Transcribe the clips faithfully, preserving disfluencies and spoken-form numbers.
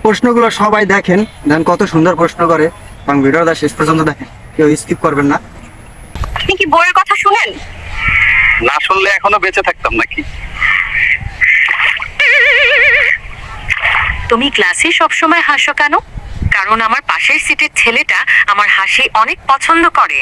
প্রশ্নগুলো সবাই দেখেন, দেন কত সুন্দর প্রশ্ন করে, এবং ভিডিওটা শেষ পর্যন্ত দেখেন, কেউ স্কিপ করবেন না। আপনি কি বইয়ের কথা শুনেন? না শুনলে এখনো বেঁচে থাকতাম নাকি? তুমি ক্লাসে সবসময় হাসো কেন? কারণ আমার পাশের সিটের ছেলেটা আমার হাসি অনেক পছন্দ করে।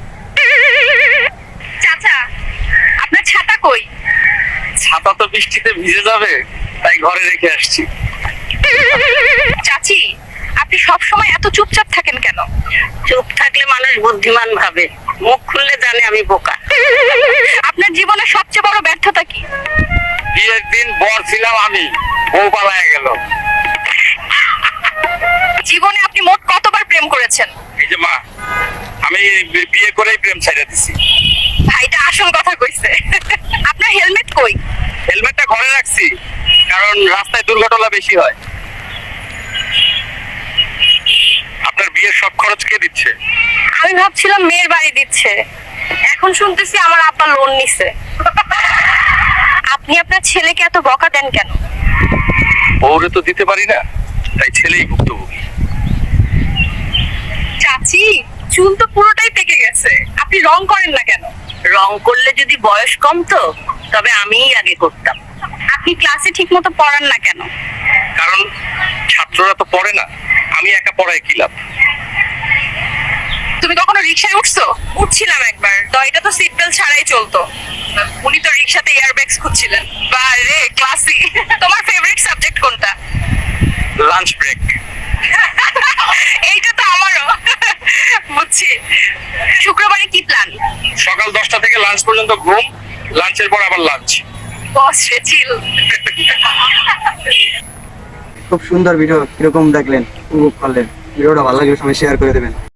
চাচা, আপনার ছাতা কই? ছাতা তো বৃষ্টিতে ভিজে যাবে, তাই ঘরে রেখে আসছি। চাচি, আপনি সবসময় এত চুপচাপ থাকেন কেন? চুপ থাকলে মানুষ বুদ্ধিমান ভাবে, মুখ খুললে জানে আমি বোকা। আপনার জীবনের সবচেয়ে বড় ব্যর্থতা কি? বিয়ের দিন বর ছিলাম আমি, বউ পালায় গেল। জীবনে আপনি মোট কতবার প্রেম করেছেন? এই যে মা, আমি বি- বিয়ে করেই প্রেম ছাইড়া দিছি। ভাইটা আসল কথা কইছে। আপনার হেলমেট কই? হেলমেটটা ঘরে রাখছি, কারণ রাস্তায় দুর্ঘটনা বেশি হয়। আপনার বিয়ের সব খরচ কে দিচ্ছে? আমি ভাবছিলাম মেয়ের বাড়ি দিচ্ছে, এখন শুনতেছি আমার আব্বা লোন নিছে। আপনি আপনার ছেলেকে এত বকা দেন কেন? বউরে তো দিতে পারি না, তাই ছেলেই ভুক্তভোগী। চাচি, চুল তো পুরোটাই পেকে গেছে, আপনি রং করেন না কেন? রং করলে যদি বয়স কমতো তবে আমিই আগে করতাম। আপনি ক্লাসে ঠিক মতো পড়ান না কেন? কারণ ছাত্ররা তো পড়ে না, আমি একা পড়ায় কি লাভ? তুমি কখনো রিকশায় উঠছো? উঠছিলাম একবার, তো এটা তো সিট বেল্ট ছাড়াই চলতো। উনি তো রিকশাতে এয়ারব্যাগস খুঁজছিলেন। বারে ক্লাসি। তোমার ফেভারিট সাবজেক্ট কোনটা? Lunch break. এইটা তো আমারও। বুঝছি। শুক্রবারে কি প্ল্যান? সকাল দশটা থেকে লাঞ্চ পর্যন্ত ঘুম, লাঞ্চের পর আবার লাঞ্চ। বস রে চিল। খুব সুন্দর ভিডিও, কিরকম দেখলেন, উপভোগ করলেন? ভিডিওটা ভালো লাগলে সবাই শেয়ার করে দেবেন।